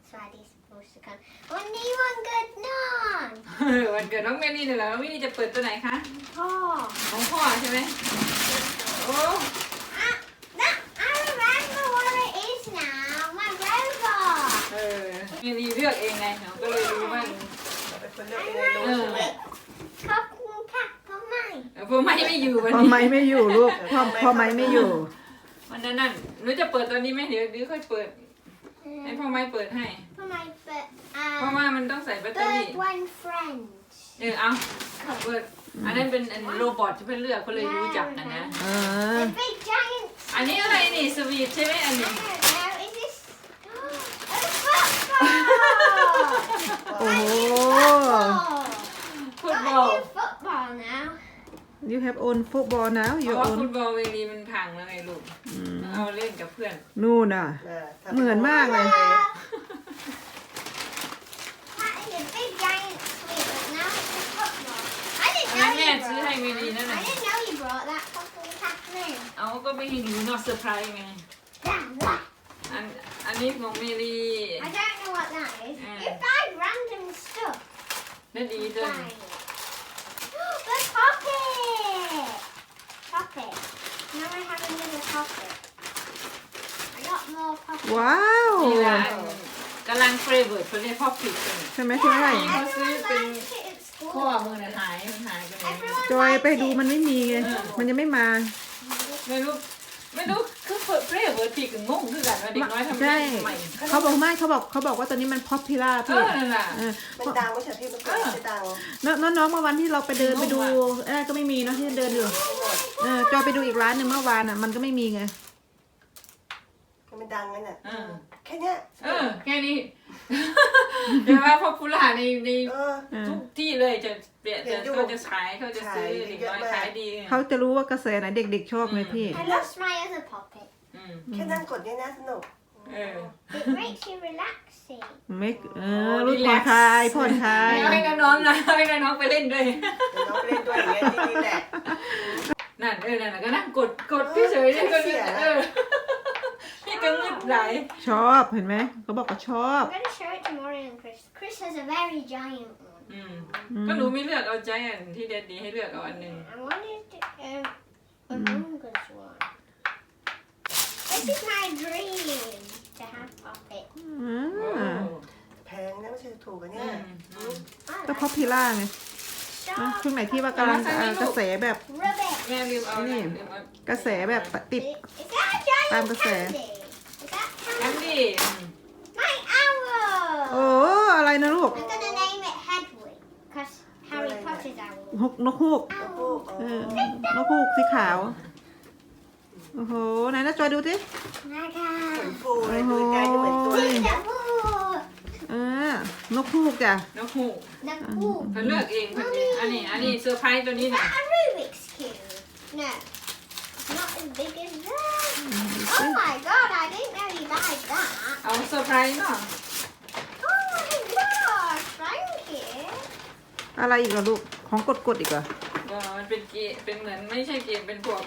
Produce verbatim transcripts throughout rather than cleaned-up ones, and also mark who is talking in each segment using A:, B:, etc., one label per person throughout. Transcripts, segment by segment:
A: So Daddy's supposed to come. วันนี้วันเกิดน้อง
B: วันเกิดน้องเมลี่เนี่ยแหละน้องเมลี่จะเปิดตัวไหนคะ
A: พ่อ
B: ของพ่อใช่ไหมโอ้
A: อ่ะนะ I remember what it is now. My robot.
B: เออเมลี่เลือกเองไงเราก็เลยรู้ว่า
C: เป็นคนเลือกเองเลยรู้ใช่ไหม
A: ขอบคุณค่ะพ่อใหม่
B: พ่อไม่ไม่อยู่วัน
D: พอ
B: นี้
D: ไม้ไม่อยู่ลูกพอพอไม้ไม่อยู่
B: วันนั้นนั่นหนูจะเปิดตอนนี้ไหมเดี๋ยวเดี๋ยวค่อยเปิดให้พ่อไม่เปิดให้
A: พ่อใหม่เปิดอ่า
B: เพราะว่ามันต้องใส่แบตเตอรี่
A: Third one friend.
B: เออเอาเปิดอันนั้นเป็นอันโรบอทที่เพื่อนเลือกเขาเลยรู้จักกันนะ
D: เออ
A: The big giant.
B: อันนี้อะไรนี่สวีทใช่ไหมอัน
A: I
B: นี้
A: don't know. Is this a football?
D: โอ้โห
B: ฟุตบอ
A: Got
B: ล
A: a new football now.
D: you have own football now
B: เพ
D: you
B: ราะว่า
D: own
B: ฟุตบอลเวลีมันพังแล้วไงลูกเอาเล่นกับเพื่อน
D: นู่นน่ะ
C: เออทำ
D: เหมือนมากเลย
A: That is a big giant sweet, but now it's a football. I
B: อัน
A: didn't
B: นั้น
A: know
B: แม่
A: you
B: ซื้อให้
A: brought.
B: เวลีนั่น
A: I
B: น่ะ
A: didn't know you brought that fucking Kathleen.
B: เอาก็ไม่ให้รู้เนอกเซอร์ไพรส์ไง
A: Damn what?
B: อันอันนี้ของเมลี
A: I don't know what that is.
B: Mm.
A: You buy random stuff.
B: นั่นดีจัง
A: Buy it. The poppet. Poppet. Now I have another poppet. I got more poppets.
D: ว้าว
B: นี่ละกำลังเฟรเวิร์ดเขาเรียกพ่อผิดกัน
D: ใช่ไหมใช่ไหม
A: Yeah,
B: What's
A: everyone
B: this thing?
A: likes it at school.
B: ข้อมือน่ะหายมันหายไปไหน
A: Everyone
D: จอย
A: likes
D: ไปดู
A: it.
D: มันไม่มีไงมันยังไม่มา
B: ไม่รู้ไม่รู้คือเฟรเวิร์ดผิดกับงงคือกันว่าเด็กน้อยทำ
D: ใช่
B: ได้ใหม่
D: เขาบอกไม่เขาบอกเขาบอกว่าตอนนี้มัน popular
B: เอ
D: พี่
B: อนั่นแหละ
D: เออ
C: มันดังไม่ใช่พี่มันเกิดไม่ดัง
D: น้องน้องเมื่อวันที่เราไปเดินไปดูเออก็ไม่มีเนาะที่เดินอยู่เออจอยไปดูอีกร้านหนึ่งเมื่อวานอ่ะมันก็ไม่มีไง
C: มันดังงั้นน่ะ
B: เออ
C: แค่เนี้ย
B: เออแค่นี้เดี๋ยวว่าพอพูล่าในใน
C: เออ
B: ทุกที่เลยจะเปลี่ยน
C: เห็
B: จะ
C: นอยู่
B: เขาจะขายเขาจะซื้อ
C: ขาย
B: เด็ก
C: เยอะ
B: น้อย
C: มาก
B: ขายดี
D: เขาจะรู้ว่ากระแสไหนเด็กๆชอบไงพี่
A: I lost my other poppet.
B: อืม
C: แค่นั่งกดเนี่ยนะสนุก
B: เออ
A: It makes you relaxing.
D: ไม่เออรู้ผ่อนคลายผ่อนคลาย
B: ไม่เอาให้น้องๆนะให้น้องๆไปเล่นด้วย
C: เดี๋ยวน้องไปเล่นด้วยอย่างเงี้ยที่นี่แหละ
B: นั่นเออนั่นน่ะก็นั่งกดกดพี่เฉยๆก็นี่เออพี่ก็งึดไหล
D: ชอบเห็นไหมเขาบอกว่าชอบ
A: I'm going to show it to Maury and Chris. Chris has a very giant one.
B: อืมก็หนูไม่เลือกเอาใจอันที่เด็ดดีให้เลือกเอาอันหนึ่ง
A: I wanted um, Among Us one. This is my dream to have poppets.
D: อื
B: โอ้
D: ม
C: แพงนะไม่ใช่ถูกกัน
B: อื
C: เนี่ย
B: มอืม
A: I
D: ก็
A: like
D: พอพิล่าไง
A: sharp
D: นะช่วงไหนที่ว่ากำลังเอ่อกระแสแบบ
A: ribbit.
B: แม่ลืมเอา
D: นี่
B: ลืมเอา
D: กระแสแบบติด
A: Is that a giant
D: Tam cái xẻ.
A: candy? Is that
B: แอม
A: candy?
B: ดี้อืม
A: My owl!
D: โอ้อะไรนะลูก
A: I'm gonna name it Hedwig because Harry Potter's owl.
D: นกนกฮูก
C: แล้วพวก
D: เออนกฮูกสีขาวโอ้โหไหนนะจอยดูสิ
A: Naga.
C: เหมือนฟูเลยดูใกล้จะเหมือนตัวเลย
A: The
D: เออนกฮูกจ้ะ
B: นกฮูก
A: the pool.
B: เขาเลือกเองคนนี้อันนี้อันนี้เซอร์ไพรส์ตัวนี้
A: Is
B: นะ
A: that a Rubik's cube? No. It's not as big as that. Oh my god, I didn't know you liked that.
B: เอาเซอร์ไพรส์เนาะ
A: Oh my god, thank you.
D: อะไรอีกเหรอลูกของกดกดๆอีกเหรอ
B: ก็มันเป็นเกมเป็นเหมือนไม่ใช่เกมเป็นพวก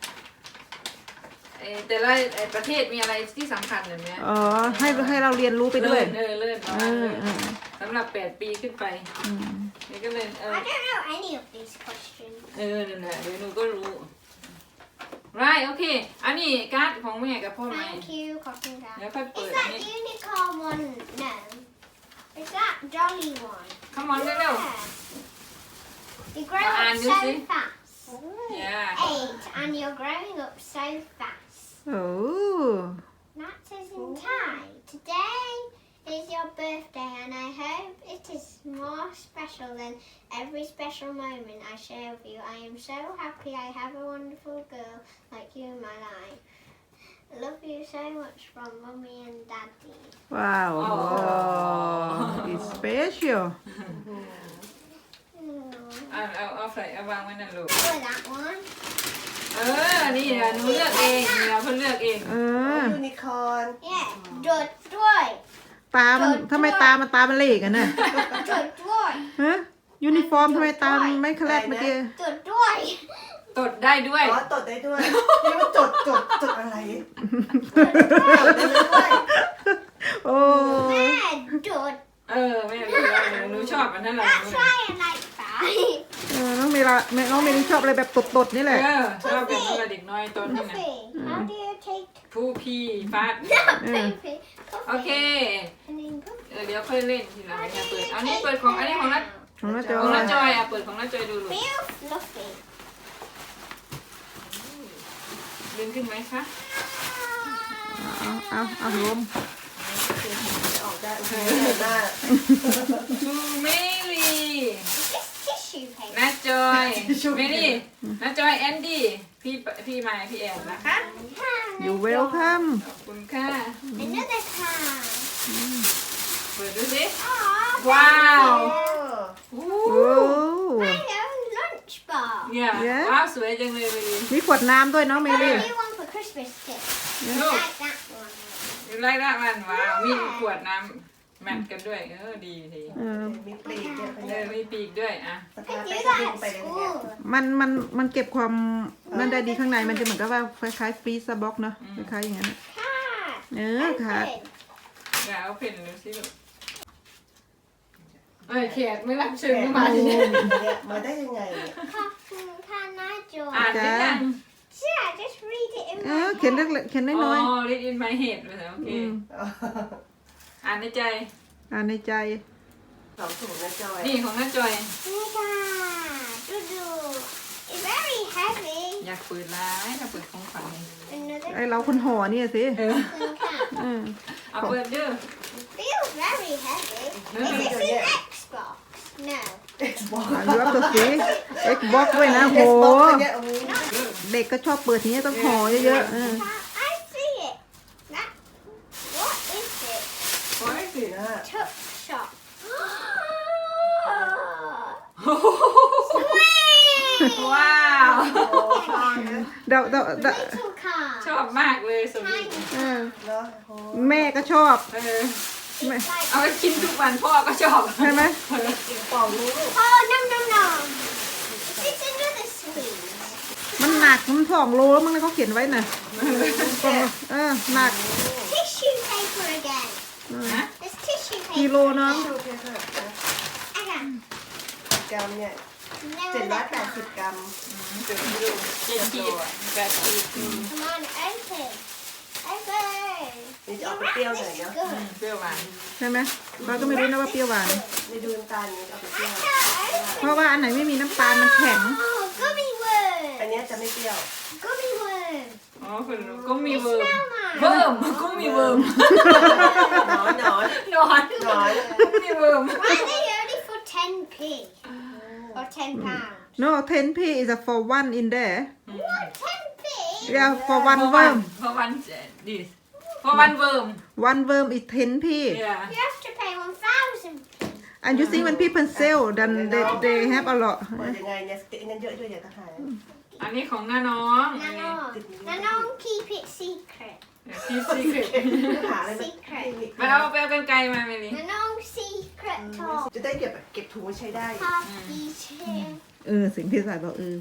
B: เอ่อแต่ละเอ่อประเทศมีอะไรที่สำคัญแบบเนี้ย
D: อ๋อให้ให้เราเรียนรู้ไปด้วย
B: เลื่อนเลื่อนประ
D: เอ
B: มาณ
D: อ
B: นั้น
D: เออ
B: สำหรับแปดปีขึ้นไป
D: อืม
B: นี่ก็เลยเออ
A: I don't know any of these questions.
B: เออนั่นแหละเดี๋ยวหนูก็รู้ right โอเค อันนี้การ์ดของแม่กับพ่อไหม
A: Thank you, Cotton Dad.
B: เดี๋ยวค่อยเปิ
A: Is
B: ดอัน
A: that
B: นี้
A: unicorn one? No. Is that Dolly one?
B: come on เร็ว
A: You grow
B: Well,
A: up
B: and you
A: so
B: see?
A: fast.
B: ๆ yeah
A: Eight, and you're growing up so fast.
D: โอ้
A: That is in Thai. Today is your birthday, and I hope it is more special than every special moment I share with you. I am so happy I have a wonderful girl like you in my life. I love you so much from Mummy and Daddy.
D: ว้าว
B: อ๋อ
D: it's special
A: Mm.
B: เอาเอาเอาใส่เอาวางไว้นั่นลูก
A: Oh, that one.
B: เออ นี่นะหนูเลือกเองนี่นะเพิ่นเลือกเอง
D: เออ
C: ยูนิคอร์น
A: Yeah. Good boy.
D: ตามันทำไมตามันตามันเหลกอ่ะเนี่ย
A: Good boy.
D: ฮะยูนิฟอร์มทำไมตามันไม่แคลดเมื่อกี้
A: Good boy.
B: ตดได้ด้วย
C: อ๋อตดได้ด้วยนี่มันจดจดจดอะไรจดได้ด้วย
D: โอ้
A: Bed.
D: อบอะไรแบบตดๆนี่แห
B: เอ
D: ละ
B: อชอบแบบเวลาเด็กน้อยตอนนี้นะ
A: Puffy, how do you take
B: ผู้พี่ฟาด
A: Puffy?
B: โอเค
A: And then Puffy.
B: เออเดี๋ยวค่อยเล่นทีหลังอย่าเปิดอันนี้เปิดของอันนี้ของนัด
D: ของน้าจ
B: ของ
D: อ
B: นั
D: ย
B: ดจอยอ่ะเปิดของนัดจอยดูลูก
A: Feel fluffy.
B: ดึงขึ้นไหมคะ
D: เอาเอาเอาลม
C: ออกได้โอเคหน้า
B: ทูเมลี
A: Is this tissue paper?
B: นัดจอยเมลี่นัดจอยแอนดี้พี่พี่ไมค์พี่แอนนะคะ
D: อยู่เวลคัม
B: ขอบคุณค่ะ
A: Another card.
B: เปิดดูสิ
A: Oh,
B: Wow.
A: thank
C: โอ้
A: you.
D: โอ้
A: My own lunchbox.
B: เนี่ย
D: Yeah.
B: ว้าวสวยจังเลยเมลี่
D: มีขวดน้ำด้วยเนาะเม
A: I
D: ลี่
A: got a new one for Christmas too.
B: No.
A: Like that one.
B: อยู่ไล่ละมันว้าวมีขวดน้ำแมทกันด้วยเออดีที
D: เออ
C: มีปลีกเนี่ย
B: เออมีปีกด้วยอ่ะ
C: ส
A: I
C: ตาร์
A: do
C: ไป
A: that
C: ก็บิน
A: at
C: ไปเลยเนี่ย
A: school.
D: มันมันมันเก็บความมันได้ดีข้างในมันจะเหมือนกับว่าคล้ายๆฟรีซบ็อกเนาะคล้ายๆอย่างนั้น
A: Card.
D: เออค่ะ
A: Open.
B: อย่าเอาเพนดูสิลูกเอ้ยแขกไม่รับเชิญ
C: แขก
B: ก็
C: มา
B: มา
C: ที่
B: ที่
C: เนี่
B: นี่
C: ยมาได้ยังไงเนี่ย
A: Cotton can I join?
B: อ่านได้ยัง
A: Yeah, just read it in
D: เอ
A: my
D: อเขียนเล็
A: head.
D: กๆเขียน
B: อ๋
D: น้อย
B: อ read in my head เลยโอ
D: ๆ
B: เค
D: อืม
B: อ่านในใจ
D: อ่านในใจ
C: สองถุงนะจอย
B: นี่ของน้าจอย
A: Look at Dudu. It's very heavy.
B: อยากเปิดร้ายถ้าเปิดของขวัญเนี่ย
A: Another
D: ไอเราคนห่อเนี่ยสิ
B: เออ
A: cotton can.
D: เออ
B: เอาเปิดเด้อ
A: It feels very heavy. Is this an Xbox? No.
C: เอ็กซ์บอก
D: อ่านยูอัพตัวสี Xbox ด้วยนะโห
C: เอ็กซ์บอกเนี่ยโอ้โห
D: เด็กก็ชอบเปิดทีนี้ต้องห่อเยอะๆเออ
A: I see it. That. What is it?
B: โอ้ยสิ
C: นะ
A: Tuck shop.
B: ว้าว
C: โอ้ชอบนะ
D: เดาเดาเดา
A: Little car.
B: ชอบมากเลยสมิธ
A: Tiny.
D: เออ
C: เนาะโอ้
D: แม่ก็ชอบ
B: เออ
D: แม่
A: It's like.
B: เอาไปกินทุกวันพ่อก็ชอบ
D: ใช่ไหม
C: เป่าลูก
A: Oh no no no. Is this another sweet?
D: มันหนักมันสองโลแล้วมั้งนะเขาเขียนไว้น่ะเออหนัก
A: Tissue paper again.
B: นะ
A: There's tissue
D: กิ
A: paper.
D: โลเนาะ
C: ดูเพียงค่ะ
A: Again.
C: กรัมเนี่ย
A: No
C: เจ็ดร้อย
A: other
C: แปดสิบ
A: card.
C: กรัม
B: เจ็ดขีดเจ็ดขีดแปดขีดอืม
A: Come on, open. Open.
C: นี่จะ
A: You
C: เอาไป
A: wrap
C: เปรี้ยวห
A: this
C: น่อยเนาะ
A: good.
B: เปรี้ยวหวาน
D: ใช่ไหมเราก็ไม่รู้นะว่าเปรี้ยวหวาน
C: ในดูน้ำตาลนี่เอาไปเปรี้ยว
A: I
D: เพราะว่าอันไหนไม่มีน้ำตาลมันแข็ง
A: Oh, gummy
C: อัน
A: worm.
C: เนี้ยจะไม่เปรี้ยว
A: Gummy worm.
B: อ๋อคุณก็มี
A: They
B: เวิร์ม
A: smell nice.
B: เวิร์มก็มีเวิร์ม
C: หนอนหนอน
B: นอน
C: หนอน
B: ก็มีเวิร์ม
A: Why are they only for ten p? Or ten pounds?
D: no ten p is a for one in there
A: What, ten p?
D: yeah for one
B: เพราะวัน
D: worm
B: เพราะวันดิเพราะวันเวิร์ม
D: one worm is ten p
B: yeah
A: You have to pay one thousand.
D: and you see when people sell then they they have a lot
C: เปิดยังไงเนี่ยสตินั้นเยอะด้วยอย่าตะหาย
B: อันนี้ของน้าน้อง
A: Nano. Nano, keep it secret.
B: พี่ซีเครต
C: หาอะไรมา
A: Secret.
B: มาเอาไปเอากันไกลมาเมลี่
A: Nano, secret talk.
C: จะได้เก็บเก็บถุงไว้ใช้ได้
A: Party chair.
D: เออสิ่งที่สายบอกเออ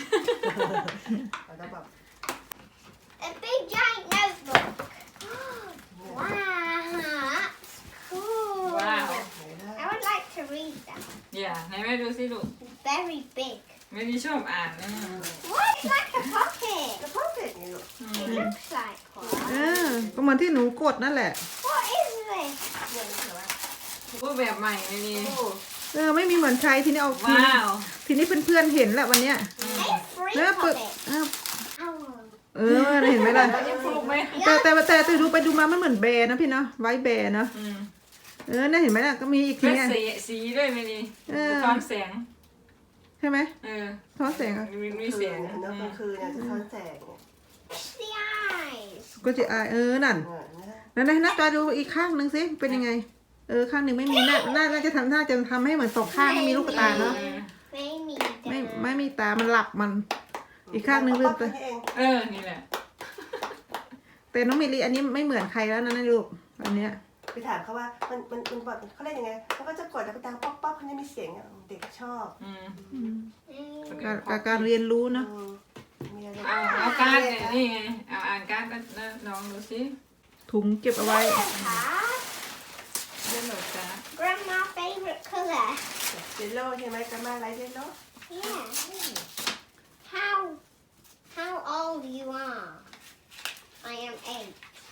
C: แล้วแบบ
A: A big giant notebook. Wow, that's cool.
B: ว้าว
A: I would like to read that.
B: อย่าไหนแม่ดูสิลูก
A: Very big.
B: ไม่ได้ชอบอ่านนะ
A: What? It's like a pocket.
C: กระเพาะเป็ดนี่ลูก
A: It looks like
D: เอ
A: one.
D: อก็เหมือนที่หนูกดนั่นแหละ
A: What is this?
C: เนี่ยรู้สึกว่า
B: รูปแบบใหม่เมลี่
C: โอ้
D: เออไม่มีเหมือนใครทีนี้เอาที
B: ว้าว
D: ทีนี้เพื่อนๆเห็นแล้ววันเนี้ย
A: Hey, free
D: แล้วเปิด
A: pocket.
D: เออ
A: Oh.
D: เออเห็นไหมล่ะ
B: จะปลูกไหม
D: แต่แต่แต่แต่ดูไปดูมามันเหมือนแบร์นะพี่เนาะไว้แบร์เนาะ
B: อืม
D: เออน่าเห็นไหมล่ะก็มีอีกที
B: เป็น
D: เนี้ย
B: สีสีด้วยเมลี่
D: เออ
B: ตอนแสง
D: ใช่ไหม
B: เออ
D: ท้อแสงอะ
B: มีมี
C: คื
B: เสีย
C: น
B: ง
C: เนาะกลางคืนเนี่ยจะท้อนแสงเนี่ย
A: It's the eyes.
D: ก็จะอายเออนั่น
C: เนี่ยนะ
D: นั่นนะหน้าตาดูอีกข้างหนึ่งสิเป็นยังไง เออข้างหนึ่งไม่มีน่าน่าน่าจะทำน่าจะทำให้เหมือนสองข้างไม่มีลูกตาเนาะ
A: Maybe
D: ไม่
A: the-
D: ไม่มีตามันหลับมัน อีกข้างหนึ่งลืมไป
C: เอง
B: เออนี่แหละ
D: แต่น้องเมลีอันนี้ไม่เหมือนใครแล้วนะนะลูกอันเนี้ย
C: ไปถามเขาว่ามันมันมันบอกเขาเล่นยังไงเขาก็จะกดแล้วก็ดังป๊อกป๊อกเขาจะมีเสียงอ่ะเด็กชอบ
B: อืม
A: Mm.
D: การการการเรียนรู้เนาะ
C: อืมมีอะไร
B: เอาเอาการ์ดเนี่ยนี่ไงเอาอ่านการ์ดแล้วลองดูสิ
D: ถุงเก็บเอาไว้
A: Card.
B: เรื่องหลอกการ์ด
A: Grandma favorite color.
C: เจลโล่ใช่ไหมกระมาไรเจลโล่
A: Yeah. how how old you are. I am eight.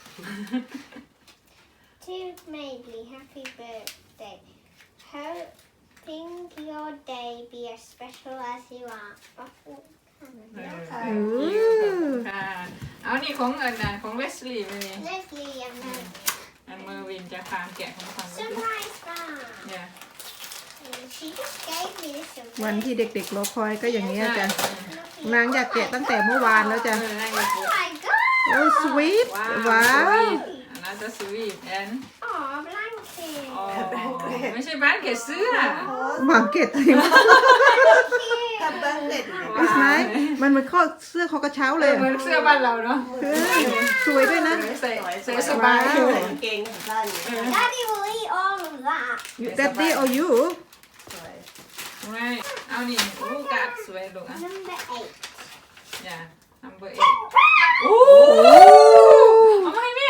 A: To Maidley, happy birthday. Hoping your day be as special as you are.
B: เออ
C: ค่ะ
B: ค่ะเอานี่ของอันน่ะของเลสลี่มานี่
A: Leslie and uh,
B: อันเมอร์วินจะฟาร์มแกะของฟังด้วย
A: surprise bar.
B: เนี่ย
A: She just gave me this surprise.
D: วันที่เด็กๆรอคอยก็อย่างนี้ยจ้ะ
A: Lucky.
D: นางอยากแกะตั้งแต่เมื่อวานแล้วจ้ะ
B: เออนั่นไง
A: Oh my god!
D: โอ้สวีท
B: ว้าว
D: ว้าว
B: อันนั้นจะสวีทแอน
A: Oh, blanket.
B: อ๋อไม่ใช่บ้านเกะเสื้อ
D: หวังเกตอะไรวะ
C: ทำบ้านเด็ดเลย
B: ว้าว
D: ไหนมันเหมือนข้อเสื้อคอกระเช้าเลย
B: เหมือนเสื้อบ้านเราเนาะ
D: เออสวยด้วยนะ
B: ใส่
C: สวย
B: ใส่สบาย
C: ใส่กางเกงสั้น
A: Daddy will eat all of that.
D: Daddy or you
C: สวย
B: ไม่เอานี่ลูกกัดสวยลูกอ่ะ
A: Number eight.
B: อย่า number eight โอ้เอามาให้แม่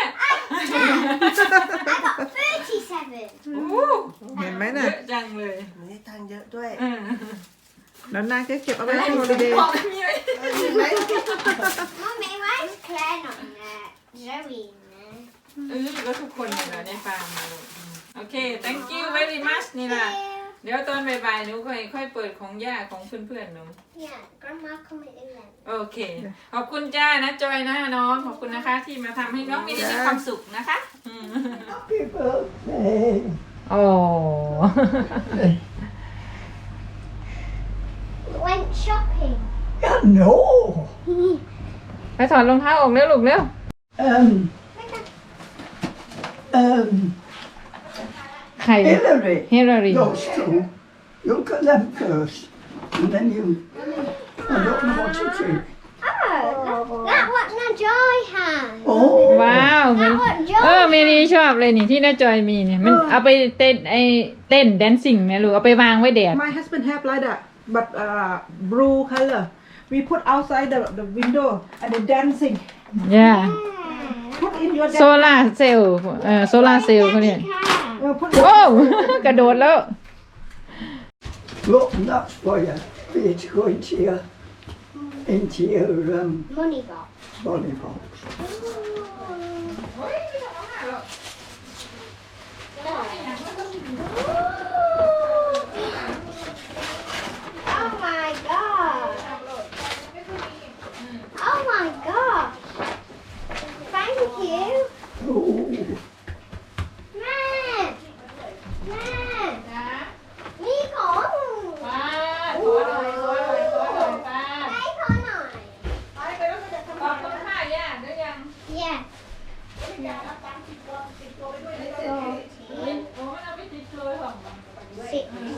A: I got thirty-seven.
B: โอ้
D: เห็นไหม
B: เย
D: น่ะ
B: อะจังเลย
C: มันได้ตังค์เยอะด้วย
B: เออ
D: แล้วนางก็เก็บเอาไว้ให้ฮอลิเดย์
B: บอกมีไหม
C: เออเห็นไหม
A: Mummy, why is Claire not there? Zoe in there.
B: เออก็ทุกคนเนี่ยเราได้ฟังมาลูกโอเค thank you very much นี่ล่ะ
A: Thank you.
B: เดี๋ยวตอนบ่ายๆหนูค่อยค่อยเปิดของย่าของเพื่อนๆหนู
A: Yeah, Grandma come at eleven.
B: โอเค ขอบคุณจ้านะจอยนะน้อง ขอบคุณนะคะที่มาทำให้น้องมีมีความสุขนะคะอืม
E: Happy birthday.
B: โอ้
A: Went shopping.
E: Yeah, no.
B: ไปถอดรองเท้าออกเร็วลูกเร็ว
E: Um, um,
B: ใคร
E: Hillary.
B: เฮลารี
E: Those two. Look at them first. And then you. I don't know what to do.
A: Oh, that what Najoy has.
E: Oh.
B: ว้าวเหมือน
A: That what
B: เออ
A: Joy
B: เมนีชอบเลยนี่ที่น้าจอยมีเนี่ยมันเอาไปเต้นไอเต้นแดนซิ่งเนี่ยลูกเอาไปวางไว้แดด
D: My husband have like that but uh blue color we put outside the the window and the dancing
B: ย่า
D: put in your
B: โซล่าเซลล์เออโซล่าเซลล์เขาเนี่ย
D: เออ put
B: โอ้ กระโดดแล้ว
E: Look, and that's for you. For you to go into your. Into your um,
A: Money box.
E: body box.
A: Oh my god. Oh my god. Thank you.
E: Oh.
A: Man. Man. Me con.
B: ป้าขอหน่อยขอหน่อยขอหน่อยป้า
A: Đây con này.
B: ขอบคุณค่ะย่าได้ยัง
A: Yeah.
B: โอ้มันเอาไปติดตัวของ
A: Sixty.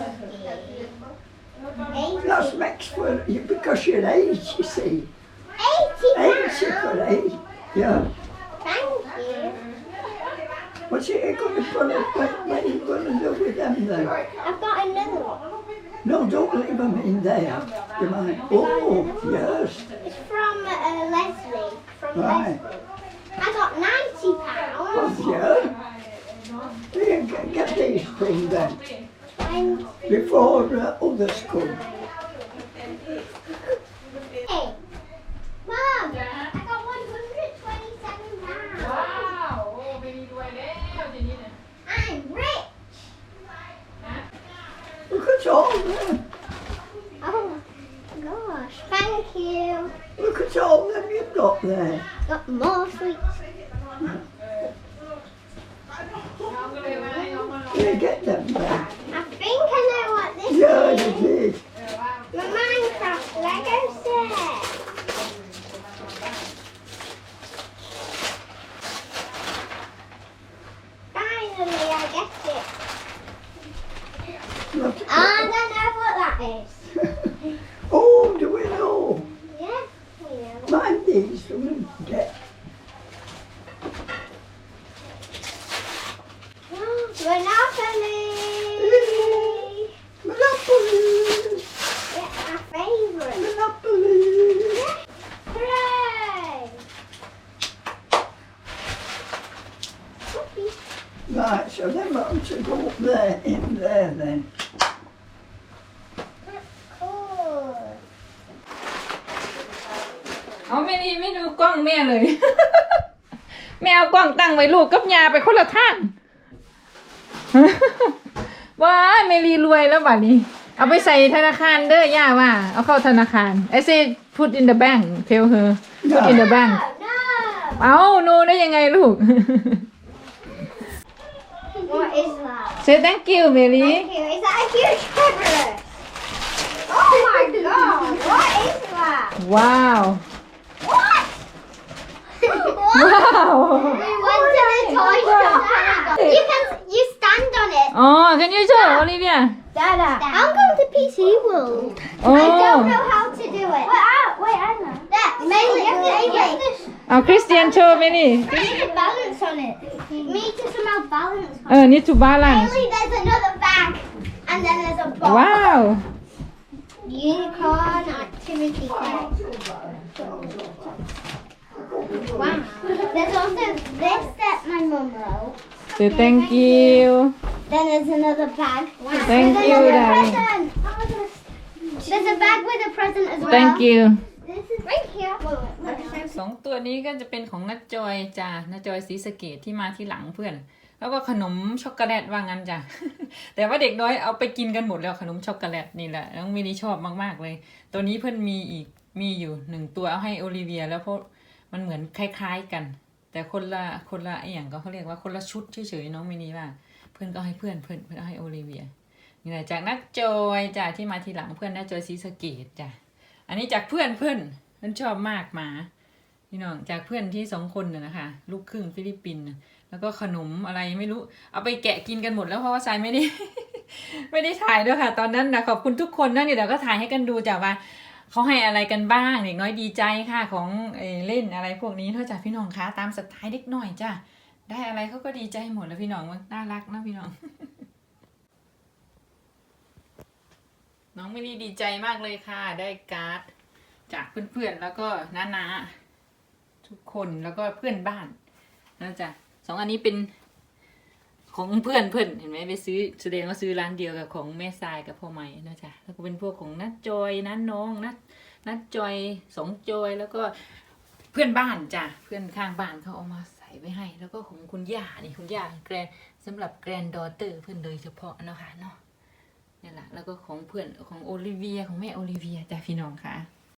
E: That's next for you because you're eight, you see.
A: Eighty
E: Eight you for
A: pounds.
E: eight. Yeah.
A: Thank you.
E: What's it going to put it? What, what are you going to do with them then?
A: I've got another one.
E: No, don't leave them in there. You might. Oh, yes.
A: It's from uh, Leslie. From
E: Right.
A: Leslie. I got ninety
E: Oh,
A: pounds.
E: yeah. Here, get, get these from them
A: Twenty.
E: before uh, others come.
A: Hey, Mum, I got one hundred twenty-seven pounds.
B: ว้าวโอ้ไปดีด้วยแล้วทีนี้เนี่ย
A: I'm rich.
E: Look at all them.
A: Oh my gosh. Thank you.
E: Look at all them you've got there.
A: Got more sweets.
B: น้องก็เลยว่าให้น้องมาลอง
E: You get them there.
A: I think I know what this
E: Yeah,
A: is.
E: you did.
A: The Minecraft Lego set. Finally, I get it.
E: Look at
A: I don't know what that is.
E: Oh, do we know?
A: Yeah, we know.
E: Mind these from get.
A: Monopoly.
E: Monopoly.
A: Yeah, my favourite.
E: Monopoly.
A: Hooray! Whoopee.
E: Right, so them ought to go up there, in there then.
A: Cool.
B: กล้องแม่เลย แม่เอากล้องตั้งไว้ลูกกับยาไปคนละทาง ว้ายเมลีรวยแล้วบัดนี้ เอาไปใส่ธนาคารเด้อย่าว่าเอาเข้าธนาคาร I say put in the bank tell her put in the bank
A: No,
B: เอาโนได้ยังไงลูก
A: no. What is that?
B: say thank you เมลี
A: Thank you. Is that a huge pepper? Oh my god! What is that?
B: ว้าว
A: What?
B: ว้าว
A: We went to the toy shop. You can you stand on it.
B: อ๋อ can you show Olivia
A: Dada. I'm going to P C World.
B: โอ้
A: I don't know how to do it. Wait, I, wait, I know. There, Maylee, you have to, you have to,
B: เอา Christian show เมลี
A: you need to balance on it. Me to somehow balance on
B: เออ need to balance
A: Maylee, there's another bag. And then there's a box.
B: ว้าว
A: Unicorn activity kit. Wow. There's also this that my mum wrote.
B: say thank you
A: Then there's another bag.
B: Thank
A: There's
B: you,
A: another
B: darling.
A: present. There's a bag with a present as well.
B: thank you
A: This is right here. Wait, wait, wait.
B: สองตัวนี้ก็จะเป็นของนัดจอยจ้ะนัดจอยศรีสะเกดที่มาที่หลังเพื่อน แล้วก็ขนมช็อกโกแลตว่างั้นจ้ะ แต่ว่าเด็กน้อยเอาไปกินกันหมดแล้วขนมช็อกโกแลตนี่แหละน้องมินิชอบมากๆเลย ตัวนี้เพื่อนมีอีกมีอยู่หนึ่งตัวเอาให้โอลิเวียแล้วเพราะมันเหมือนคล้ายๆกัน แต่คนละคนละไอ้อย่างก็เขาเรียกว่าคนละชุดเฉยๆน้องมินิว่าเพื่อนก็ให้เพื่อนเพื่อนเพื่อนเอาให้โอลิเวียนี่แหละจากนัดจอยจ้ะที่มาทีหลังเพื่อนนัดจอยศรีสะเกดจ้ะอันนี้จากเพื่อนเพื่อนเพื่อนชอบมากหมาพี่น้องจากเพื่อนที่สองคนน่ะนะคะลูกครึ่งฟิลิปปินส์น่ะแล้วก็ขนมอะไรไม่รู้เอาไปแกะกินกันหมดแล้วเพราะว่าทรายไม่ได้ ไม่ได้ถ่ายด้วยค่ะตอนนั้นนะขอบคุณทุกคนนะเนี่ยเดี๋ยวก็ถ่ายให้กันดูจ้ะว่าเขาให้อะไรกันบ้างเด็กน้อยดีใจค่ะของเออเล่นอะไรพวกนี้เท่าจากพี่น้องคะตามสไตล์เด็กหน่อยจ้ะได้อะไรเขาก็ดีใจหมดแล้วพี่น้องมันน่ารักนะพี่น้อง น้องไม่ได้ดีใจมากเลยค่ะได้การ์ดจากเพื่อนๆแล้วก็น้าๆทุกคนแล้วก็เพื่อนบ้านนะจ๊ะสองอันนี้เป็นของเพื่อนเพื่อนเห็นไหมไปซื้อแสดงว่าซื้อร้านเดียวกับของแม่ทรายกับพ่อใหม่นะจ๊ะแล้วก็เป็นพวกของนัดจอยนัดน้องนัดนัดจอยสองจอยแล้วก็เพื่อนบ้านจ้ะเพื่อนข้างบ้านเขาเอามาใส่ไว้ให้ แล้วก็ของคุณย่านี่คุณย่าแกรนสำหรับแกรนดอเตอร์เพื่อนโดยเฉพาะนะคะเนาะนี่แหละแล้วก็ของเพื่อนของโอลิเวียของแม่โอลิเวียจ้ะพี่น้องค่ะ